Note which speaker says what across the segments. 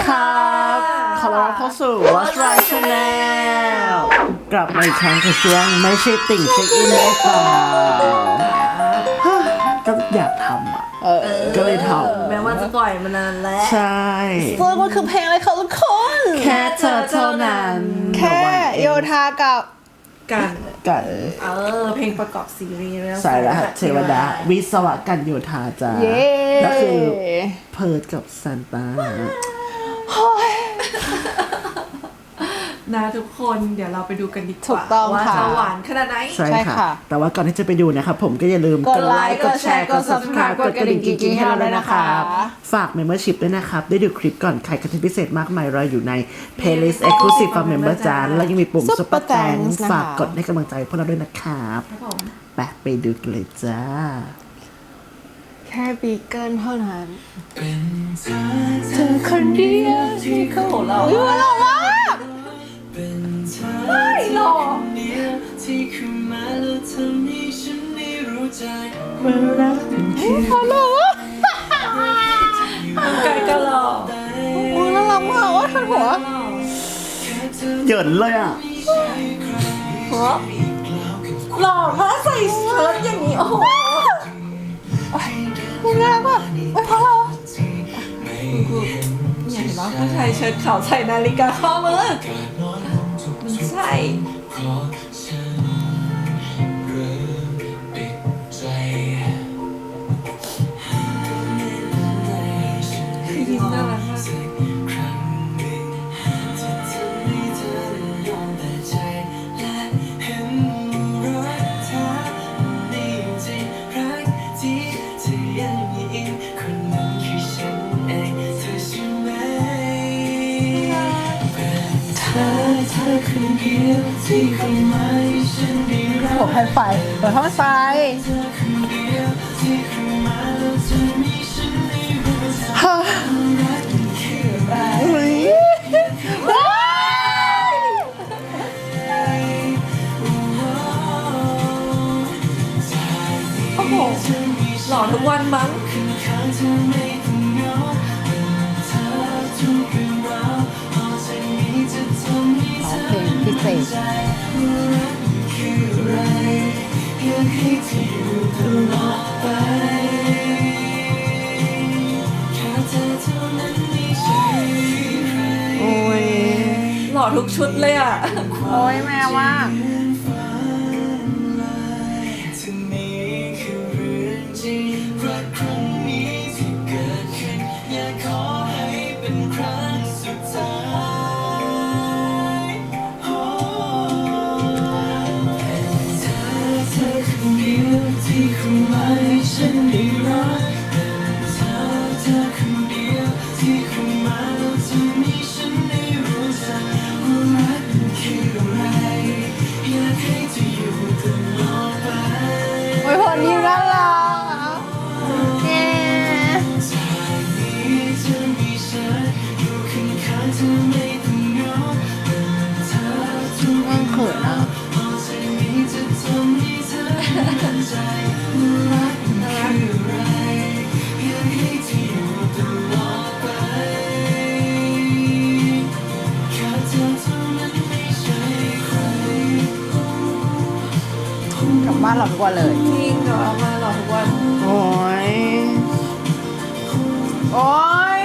Speaker 1: ครับขอต้อนรับเข้าสู่ What's Right Channel กลับมาอีกครั้งกับช่วงไม่ใช่ติ่งเช็คอินได้เปล่าก็อยากทำก็เลยทำ
Speaker 2: แม้ว่าจะปล่อยมานานแล้ว
Speaker 1: ใช่
Speaker 3: ซึ่งมันคือเพลงอะไรคะทุกคน
Speaker 1: แค่เธอเท่านั้น
Speaker 3: แค่โยธากับ
Speaker 2: กัน
Speaker 1: กัน
Speaker 2: เพลงประกอบซีรีส์เรื่อง
Speaker 1: สายรหัสเทวดาวิศวกันโยธาจ้า
Speaker 3: เย้
Speaker 1: แล้วคือเพิร์ดกับซันต้า
Speaker 2: นะทุกคนเดี๋ยวเราไปดูกันดีก
Speaker 3: ถู
Speaker 2: ว่าก
Speaker 3: ต้อง
Speaker 2: ว่า
Speaker 3: ค่ะ
Speaker 2: จะหวานขนาดไหน
Speaker 1: ใช่
Speaker 3: ใช่
Speaker 1: ค่ะ
Speaker 3: ค่ะ
Speaker 1: แต่ว่าก่อนที่จะไปดูนะครับผมก็อย่าลืม
Speaker 3: กดไลค์กดแชร์กด Subscribe กดกระดิ่งกิ๊งๆให้เราด้วยนะครับ
Speaker 1: ฝาก Membership ด้วยนะครับ ได้ดูคลิปก่อนใครคอนเทนต์พิเศษมากมายรออยู่ใน Playlist Exclusive for Member จ้าแล้วยังมีปุ่ม
Speaker 3: Super
Speaker 1: Super Thanks
Speaker 3: Thanks นะคะ
Speaker 1: ฝากกดให้กำลังใจพวกเราด้วยนะครับ
Speaker 2: ครับผม
Speaker 1: ไปดูกันเลยจ้า
Speaker 3: แค่บีเกิลเท่านั้นเธอคนเดียวที่เขา
Speaker 2: เรา
Speaker 3: อุ้ยหล่อมาก
Speaker 2: ไม่หรอก
Speaker 3: เขาหล่อมาก
Speaker 2: ไกลก็หรอก
Speaker 3: อุ้ยน่ารักมากว่าทันหัว
Speaker 1: เหยินเลยอ่ะ
Speaker 2: หล่อมากใส่เชิ้ตอย่างนี้โอ้โห
Speaker 3: มึงน่ารักมากไม่พอแล้ว
Speaker 2: เนี่ยเห็นไหมผู้ชายเชิ้ตขาวใส่นาฬิกาข้อมือมันใช่คือยิ้มน่ารักมาก
Speaker 3: หัวแผ่นไฟหัวท่อไฟฮ่าอุ้ยว้าย
Speaker 2: โอ้โหหล่อทุกวันมั้ง
Speaker 3: เพลงพิเศษโอ้ย
Speaker 2: หล่อทุกชุดเลยอ่ะ
Speaker 3: โอ้ยแม่มากโอ้ยคนยิ้มน่ารักอะแกมันเขินอ่ะกลับบ้านเราทุกวันเลย
Speaker 2: จริงเหรอมาหล่อทุกวัน
Speaker 1: โอ้ย
Speaker 3: โอ้ย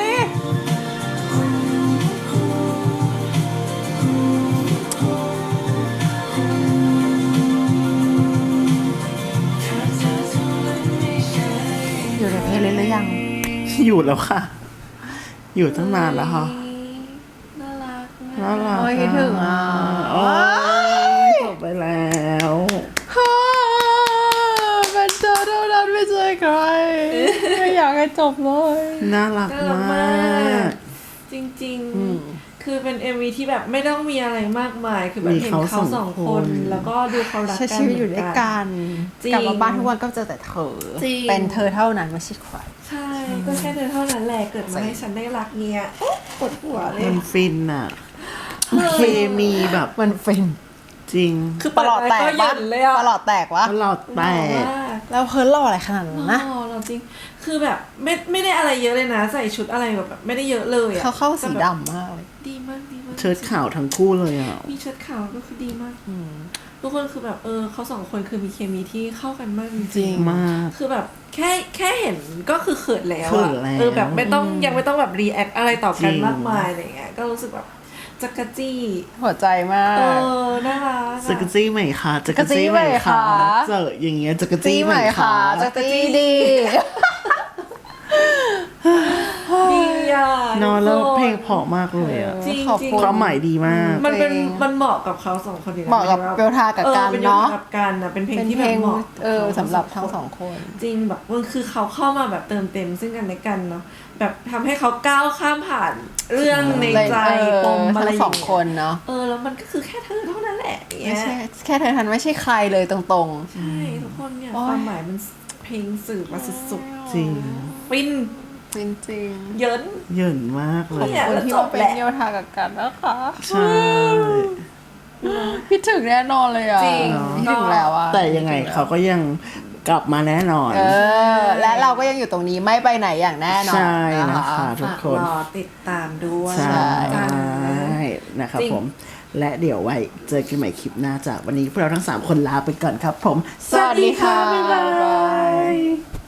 Speaker 3: อยู่ในเพลย์ลิสต์หรือยัง
Speaker 1: อยู่แล้วค่ะ อยู่ตั้งนานแล้วค่ะ
Speaker 2: น่ารัก
Speaker 1: น่ารัก
Speaker 3: โอ้ยคิดถึงอ่ะ
Speaker 1: โอ้ยจบไปแล้ว
Speaker 3: ฮ่าเป็นเธอเท่านั้นไม่ใช่ใครไม่อยากให้จบเลย
Speaker 1: น่ารัก
Speaker 2: น่ารัก
Speaker 1: มาม
Speaker 2: าก ก จริงๆ คือเป็น MV ที่แบบไม่ต้องมีอะไรมากมาย คือแบบเห็นเขาสองคน แล้วก็ดูเขารัก
Speaker 3: ใช้
Speaker 2: กัน
Speaker 3: ชีวิตอยู่ด้วยกัน
Speaker 2: จริง
Speaker 3: กลับมาบ้านทุกวันก็เจอแต่เธอ
Speaker 2: จริง
Speaker 3: เป็นเธอเท่านั้นไม่ใช่ใคร
Speaker 2: ใช่ ก็แค่เธอเท่านั้นแหละเกิดมาให้ฉันได้รักเนี่ยโอ๊ะปวดหัวเลย
Speaker 1: มันฟินอ่ะ เคมีแบบ
Speaker 3: มันฟิน
Speaker 1: จริง
Speaker 2: คือ
Speaker 3: ปลอดแตก
Speaker 2: เปิดไปก็ห
Speaker 3: วะ
Speaker 2: ย่นเลยอะ
Speaker 3: ปลอดแตกวะ
Speaker 1: ตลอดแตก
Speaker 3: แล้วเพิร์ลหล่ออะไรขนาดนั้นนะ
Speaker 2: เราจริงคือแบบไม่ได้อะไรเยอะเลยนะใส่ชุดอะไรแบบไม่ได้เยอะเลยอะ
Speaker 3: เขาเข้าสี
Speaker 2: แต่แบบ
Speaker 3: ดำมากเลย
Speaker 2: ดีมากดีมาก
Speaker 1: เชิ้ตขาวทั้งคู่เลยอ่ะ
Speaker 2: มีเชิ้ตขาวก็คือดีมากทุกคนคือแบบเขาสองคนคือมีเคมีที่เข้ากันมากจ
Speaker 3: จริ
Speaker 2: ริง
Speaker 3: ง
Speaker 1: มาก
Speaker 2: คือแบบแค่เห็นก็คือเขินแล้ว
Speaker 1: เขิ
Speaker 2: อะ
Speaker 1: นแล้ว
Speaker 2: แบบไม่ต้องยังไม่ต้องแบบรีแอคอะไรต่อกัน
Speaker 1: จริง
Speaker 2: มากมายอะไรเงี้ยก็รู้สึกแบบจักรจี้
Speaker 3: หัวใจมาก
Speaker 2: น่ารัก
Speaker 1: จักรจี้ไหมคะจักรจี้ไหมคะเจออย่างเงี้ยจักรจี้
Speaker 3: จี้
Speaker 1: ไห
Speaker 3: ไห
Speaker 1: ม
Speaker 3: ม
Speaker 1: คะ
Speaker 3: คะจะจี้ดี
Speaker 2: ดีอ่ะ
Speaker 1: นอนแล้วเพลงเพราะมากเลยอ่ะ
Speaker 2: จริง
Speaker 3: ขอบ
Speaker 2: จริง
Speaker 3: คุณ
Speaker 1: ความหมายดีมาก
Speaker 2: มันเป็น
Speaker 3: จริง
Speaker 2: มันเหมาะกับเขาสองคนดีนะ
Speaker 3: เหมาะกับเบลทากับกัน
Speaker 2: เป็น
Speaker 3: เนาะ
Speaker 2: กับกันนะเป็นเพลง
Speaker 3: เป็น
Speaker 2: ที่
Speaker 3: เพ
Speaker 2: แบ
Speaker 3: ล
Speaker 2: บ
Speaker 3: ง
Speaker 2: เหมาะกับเขา
Speaker 3: สำหรับทั้งสองคน
Speaker 2: จริงแบบมันคือเขาเข้ามาแบบเติมเต็มซึ่งกันและกันเนาะแบบทำให้เขาก้าวข้ามผ่านเรื่องในใจปมอะไร
Speaker 3: ทั้ง
Speaker 2: อ
Speaker 3: ส
Speaker 2: ย่า
Speaker 3: อง
Speaker 2: ง
Speaker 3: ค
Speaker 2: เงี้ย
Speaker 3: นเนาะ
Speaker 2: แล้วมันก็คือแค่เธอเท่านั้นแหละอย่าง
Speaker 3: ไม่
Speaker 2: เงี้ย
Speaker 3: ใช่แค่เธอทันไม่ใช่ใครเลยตรง
Speaker 2: ใช่ทุกคนเนี่ย
Speaker 3: โอ๊ย
Speaker 2: ความหมายมันเพลงสื่อมาสุด
Speaker 1: จริง
Speaker 2: ๆฟิน
Speaker 3: ๆ จริง
Speaker 2: เยิน
Speaker 1: เหยินมากเล
Speaker 3: ๆขอบ
Speaker 1: ย
Speaker 2: เนี่ย
Speaker 3: คุณ
Speaker 2: แล้ว
Speaker 3: ที่
Speaker 2: จ
Speaker 3: มา
Speaker 2: บ
Speaker 3: เป็น
Speaker 2: แหละ
Speaker 3: เบลทากับกันนะคะ
Speaker 1: ใช่
Speaker 3: คิดถึงแน่นอนเลยอ่ะ
Speaker 2: จริง
Speaker 3: คิดถึงแล้วอ่ะ
Speaker 1: แต่ยังไงเขาก็ยังกลับมาแน่นอน
Speaker 3: และเราก็ยังอยู่ตรงนี้ไม่ไปไหนอย่างแน่นอน
Speaker 1: ใช่นะคะทุก
Speaker 2: ฝาก
Speaker 1: คน
Speaker 2: รอติดตามด้วย
Speaker 1: ใช่
Speaker 2: จ้า
Speaker 1: นะครับ
Speaker 2: จริง
Speaker 1: ผม และเดี๋ยวไว้เจอกันใหม่คลิปหน้าจากวันนี้พวกเราทั้ง 3 คนลาไปก่อนครับผม
Speaker 3: สวัสดีค่ะ
Speaker 1: บ๊ายบา
Speaker 3: บ๊ายบาย
Speaker 1: ย